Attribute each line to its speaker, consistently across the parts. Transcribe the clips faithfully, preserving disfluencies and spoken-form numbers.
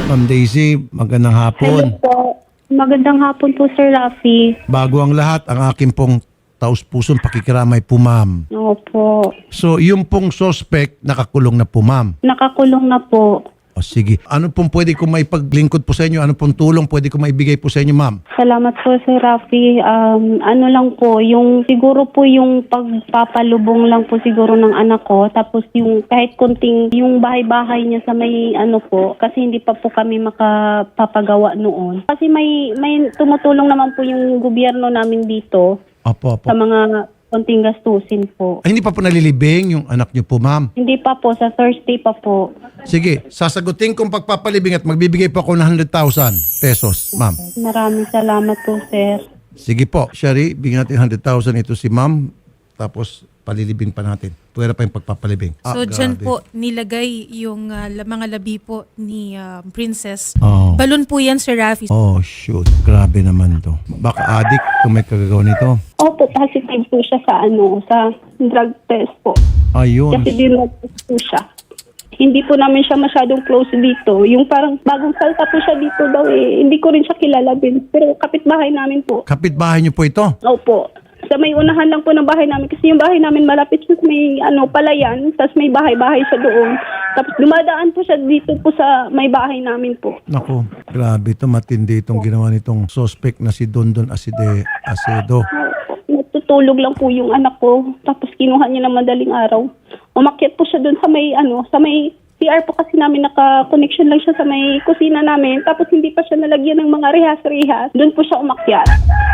Speaker 1: Ma'am Daisy, magandang
Speaker 2: Hello
Speaker 1: hapon.
Speaker 2: po. Magandang hapon po, Sir Rafi.
Speaker 1: Bago ang lahat, ang aking pong taus-pusong pakikiramay po, ma'am.
Speaker 2: Opo.
Speaker 1: So, yung pong suspect, nakakulong na po, ma'am.
Speaker 2: Nakakulong na po.
Speaker 1: O sige, ano pong pwede ko maipaglingkod po sa inyo? Ano pong tulong pwede ko maibigay po sa inyo, ma'am?
Speaker 2: Salamat po, Sir Rafi. Um, ano lang po, yung siguro po yung pagpapalubong lang po siguro ng anak ko. Tapos yung kahit kunting yung bahay-bahay niya sa may ano po, kasi hindi pa po kami makapapagawa noon. Kasi may may tumutulong naman po yung gobyerno namin dito
Speaker 1: Opo, opo.
Speaker 2: sa mga konting gastusin po.
Speaker 1: Ay, hindi pa po nalilibing yung anak niyo po, ma'am.
Speaker 2: Hindi pa po, sa Thursday pa po.
Speaker 1: Sige, sasagutin kong pagpapalibing at magbibigay po ako ng one hundred thousand pesos, ma'am.
Speaker 2: Maraming salamat po, Sir.
Speaker 1: Sige po, Shari, bigyan natin one hundred thousand ito si ma'am. Tapos, palilibing pa natin. Pwera pa yung pagpapalibing. Ah,
Speaker 3: So, dyan
Speaker 1: grabe.
Speaker 3: po nilagay yung ah, la- mga labi po ni ah, Princess.
Speaker 1: Oh.
Speaker 3: Balon po yan, Sir Rafi.
Speaker 1: Oh, shoot. Grabe naman to. Baka addict kung may kagagawa nito.
Speaker 2: Opo, positive po siya sa ano, sa drug test po.
Speaker 1: Ayun.
Speaker 2: Kasi dinrug test po siya. Hindi po namin siya masyadong close dito. Yung parang bagong salta po siya dito daw eh. Hindi ko rin siya kilala din. Pero kapitbahay namin po.
Speaker 1: Kapitbahay niyo po ito?
Speaker 2: Opo. Sa may unahan lang po ng bahay namin. Kasi yung bahay namin malapit sa may ano, palayan. Tapos may bahay-bahay siya doon. Tapos dumadaan po siya dito po sa may bahay namin po.
Speaker 1: Naku, grabe ito. Matindi itong ginawa nitong suspect na si Dondon Aside Acedo.
Speaker 2: Natutulog lang po yung anak ko. Tapos kinuha niya ng madaling araw. Umakyat po siya doon sa may ano, sa may C R po kasi namin naka-connection lang siya sa may kusina namin. Tapos hindi pa siya nalagyan ng mga rehas-rehas. Doon po siya umakyat.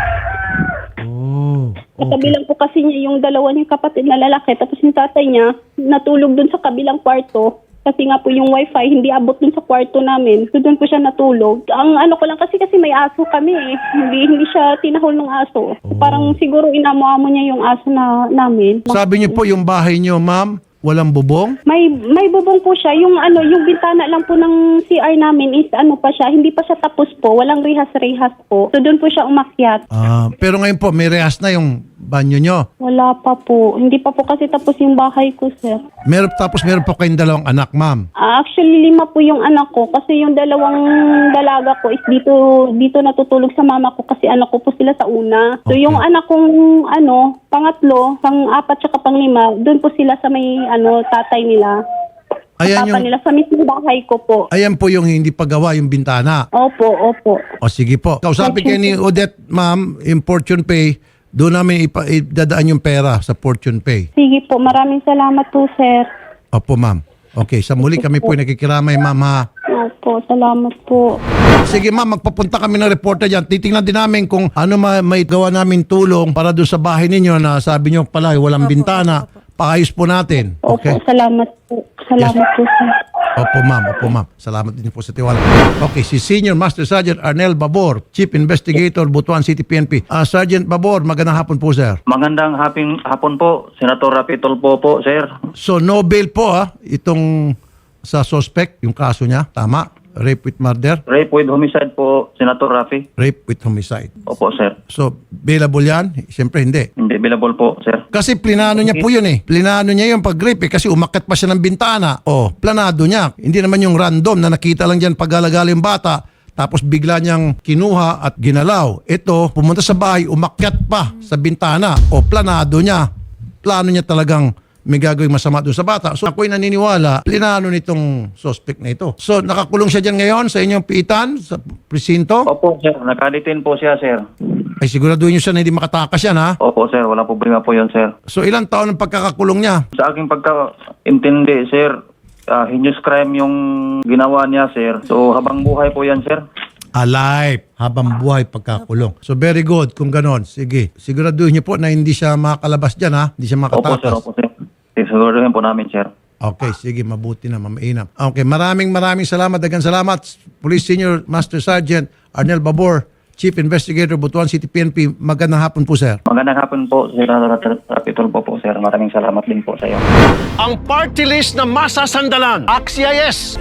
Speaker 1: Oh,
Speaker 2: Katabi lang po kasi niya yung dalawa niyang kapatid na lalaki. Tapos yung tatay niya natulog doon sa kabilang kwarto. Kasi nga po yung wifi hindi abot doon sa kwarto namin. So doon po siya natulog. Ang ano ko lang kasi kasi may aso kami eh. Hindi, hindi siya tinahol ng aso. Parang siguro inamo-amo niya yung aso na namin.
Speaker 1: Sabi niyo po yung bahay niyo, ma'am, walang bubong?
Speaker 2: May may bubong po siya. Yung ano, yung bintana lang po ng C R namin is ano pa siya, hindi pa siya tapos po. Walang rehas-rehas po. So doon po siya umakyat.
Speaker 1: Ah, pero ngayon po, may rehas na yung banyo niyo.
Speaker 2: Wala pa po. Hindi pa po kasi tapos yung bahay ko, sir.
Speaker 1: Meron, tapos meron po kayong dalawang anak, ma'am.
Speaker 2: Ah, actually, lima po yung anak ko kasi yung dalawang dalaga ko is dito dito natutulog sa mama ko kasi anak ko po sila sa una. So
Speaker 1: Okay.
Speaker 2: yung anak kong ano, pangatlo, pang-apat tsaka pang-lima, doon po sila sa may ano tatay nila.
Speaker 1: Ayan
Speaker 2: Papa
Speaker 1: yung,
Speaker 2: nila sa mismong bahay ko po.
Speaker 1: ayan po yung hindi pagawa, yung bintana.
Speaker 2: Opo, opo.
Speaker 1: O sige po. Kausapin kayo ni Odette, ma'am, yung Fortune Pay. Doon namin ipa, idadaan yung pera sa Fortune Pay.
Speaker 2: Sige po, maraming salamat po, sir.
Speaker 1: Opo, ma'am. Okay, sa muli kami po nakikiramay, ma'am, ha?
Speaker 2: Opo, salamat po.
Speaker 1: Sige, ma'am, magpapunta kami ng reporter dyan. Titingnan din namin kung ano ma- may gawa namin tulong para doon sa bahay ninyo na sabi nyo pala walang bintana. Paayos po natin.
Speaker 2: Opo,
Speaker 1: Okay?
Speaker 2: salamat po. Salamat po, sir.
Speaker 1: Opo, ma'am. Opo, ma'am. Salamat din po sa tiwala. Okay, si Senior Master Sergeant Arnel Babor, Chief Investigator, Butuan City P N P. Ah, Sergeant Babor, magandang hapon po, sir.
Speaker 4: Magandang haping hapon po, Senator Rapi Tulfo po, sir.
Speaker 1: So, no bail po, ha? Itong sa suspect, yung kaso niya. Tama? Rape with murder?
Speaker 4: Rape with homicide po, Senator Rafi.
Speaker 1: Rape with homicide.
Speaker 4: Opo, sir.
Speaker 1: So, bailable yan? Siyempre, hindi.
Speaker 4: Hindi available po, sir.
Speaker 1: Kasi plinano niya po yun eh. Plinano niya yung pag-rape eh, kasi umakyat pa siya ng bintana. O, planado niya. Hindi naman yung random na nakita lang dyan pag-alagala yung bata, tapos bigla niyang kinuha at ginalaw. Ito, pumunta sa bahay, umakyat pa sa bintana. O, planado niya. Plano niya talagang may gagawing masama doon sa bata. So ako'y naniniwala, plinano nitong suspect na ito. So nakakulong siya dyan ngayon sa inyong piitan, sa presinto.
Speaker 4: Opo, sir. Nakalitin po siya, sir.
Speaker 1: Ay siguraduhin niyo siya na hindi makatakas yan, ha?
Speaker 4: Opo, sir. Walang problema po yun, sir.
Speaker 1: So ilang taon ang pagkakakulong niya?
Speaker 4: Sa aking pagkaintindi, sir, uh, heinous crime yung ginawa niya, sir. So, habang buhay po yan, sir.
Speaker 1: Alive, habang buhay pagkakulong. So very good kung ganon. Sige, siguraduhin niyo po na hindi siya makakalabas dyan, ha? Hindi siya
Speaker 4: Opo, sir.
Speaker 1: makatakas.
Speaker 4: Opo, sir. Siguraduhin po namin, sir.
Speaker 1: Okay, sige, mabuti na, mamainam. Okay, maraming maraming salamat, dagang salamat. Police Senior Master Sergeant Arnel Babor, Chief Investigator, Butuan City P N P. Magandang hapon po, sir.
Speaker 4: Magandang hapon po, Senator Rapi Tulfo po, sir. Maraming salamat din po sa iyo.
Speaker 5: Ang party list na masasandalan. Axies.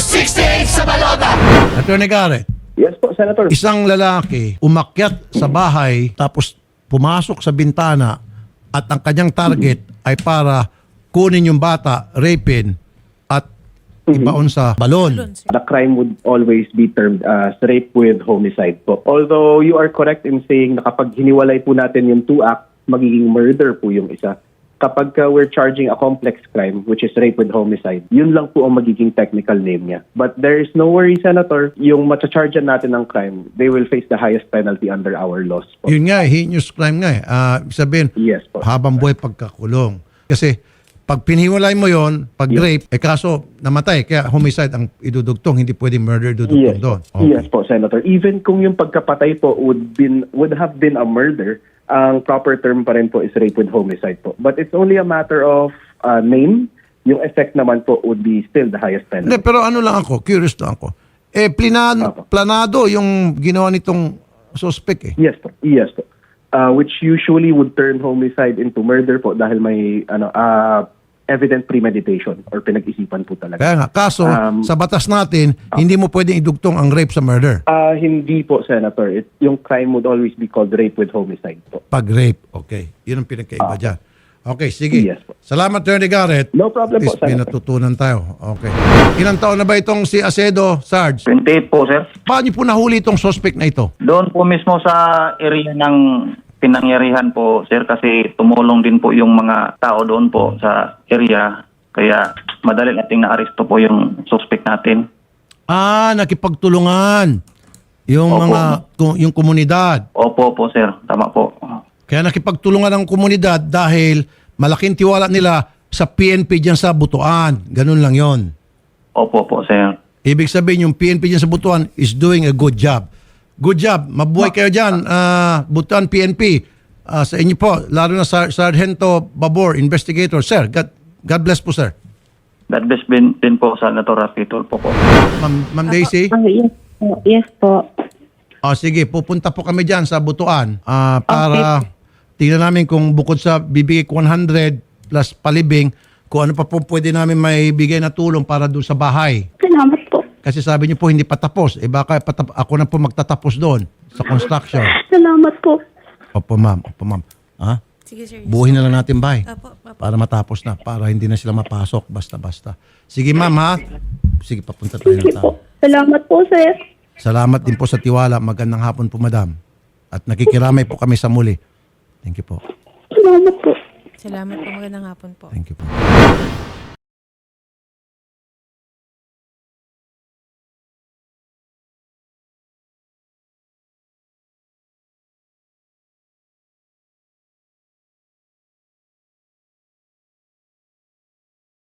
Speaker 1: Attorney Garrett,
Speaker 6: Yes po, Senator.
Speaker 1: isang lalaki umakyat sa bahay tapos pumasok sa bintana at ang kanyang target ay para kunin yung bata, rapin, at ibaon sa balon.
Speaker 3: Balon, sir.
Speaker 6: The crime would always be termed as rape with homicide po. Although you are correct in saying na kapag hiniwalay po natin yung two acts, magiging murder po yung isa. Kapag uh, we're charging a complex crime, which is rape with homicide, yun lang po ang magiging technical name niya. But there is no worry, Senator. Yung matchargean natin ng crime, they will face the highest penalty under our laws po.
Speaker 1: Yun nga, eh, heinous crime nga eh. Ah, ibig sabihin,
Speaker 6: Yes po.
Speaker 1: habang buhay pagkakulong. Kasi pag pinhiwalay mo yon, pag rape, eh kaso namatay, kaya homicide ang idudugtong, hindi pwedeng murder idudugtong
Speaker 6: Yes,
Speaker 1: doon.
Speaker 6: po. Yes po, Senator. Even kung yung pagkapatay po would been would have been a murder, ang proper term pa rin po is rape with homicide po. But it's only a matter of uh, name. Yung effect naman po would be still the highest penalty.
Speaker 1: Hindi, pero ano lang ako, curious lang ako. Eh, plinan,
Speaker 6: Apo.
Speaker 1: planado yung ginawa nitong suspect eh.
Speaker 6: Yes po. Yes po. Uh, which usually would turn homicide into murder po dahil may ano uh, evident premeditation or pinag-isipan po talaga.
Speaker 1: Kaya nga, kaso
Speaker 6: Um,
Speaker 1: sa batas natin, hindi mo pwedeng idugtong ang rape sa murder.
Speaker 6: Uh, hindi po, Senator. It, yung crime would always be called rape with homicide po.
Speaker 1: Pag rape, okay. Yun ang pinagkaiba dyan. Okay, sige.
Speaker 6: Yes po.
Speaker 1: Salamat, Attorney Garrett.
Speaker 6: No problem
Speaker 1: At
Speaker 6: po,
Speaker 1: least may
Speaker 6: Senator.
Speaker 1: natutunan tayo. Okay. Ilang taon na ba itong si Acedo, Sarge?
Speaker 4: twenty-eight po, sir.
Speaker 1: Paano niyo po nahuli itong suspect na ito?
Speaker 4: Doon po mismo sa area ng pinangyarihan po, sir, kasi tumulong din po yung mga tao doon po sa area. Kaya madali nating na-aresto po yung suspect natin.
Speaker 1: Ah, nakipagtulungan. Yung
Speaker 4: Opo.
Speaker 1: mga, ku- yung komunidad.
Speaker 4: Opo po, sir. Tama po.
Speaker 1: Kaya nakipagtulungan ng komunidad dahil malaking tiwala nila sa P N P dyan sa Butuan. Ganun lang yon.
Speaker 4: Opo po, sir.
Speaker 1: Ibig sabihin yung P N P dyan sa Butuan is doing a good job. Good job. Mabuhay kayo dyan, ah, Butuan P N P. Ah, sa inyo po, lalo na Sar- Sargento Babor, investigator. Sir, God, God bless po, sir.
Speaker 4: God bless din, din po sa Natura Pitol po po.
Speaker 1: Ma'am, Ma'am Daisy?
Speaker 2: Ah, yes po. Yes po.
Speaker 1: Ah, sige, pupunta po kami dyan sa Butuan ah, para tingnan namin kung bukod sa bibigay ko one hundred plus palibing, kung ano pa po pwede namin may bigay na tulong para doon sa bahay.
Speaker 2: Salamat po.
Speaker 1: Kasi sabi niyo po hindi pa tapos. Eh baka patap- ako na po magtatapos doon sa construction.
Speaker 2: Salamat po.
Speaker 1: Opo ma'am, opo ma'am. Ha?
Speaker 3: Sige, sir.
Speaker 1: Buuhin na lang natin bahay.
Speaker 3: Apo, apo.
Speaker 1: Para matapos na, para hindi na sila mapasok basta-basta. Sige ma'am ha. Sige, papunta tayo ng
Speaker 2: Sige
Speaker 1: tao.
Speaker 2: po. Salamat po, sir.
Speaker 1: Salamat din po sa tiwala. Magandang hapon po madam. At nakikiramay po kami sa muli. Thank you po.
Speaker 2: Salamat po.
Speaker 3: Salamat po. Magandang hapon po.
Speaker 1: Thank you po.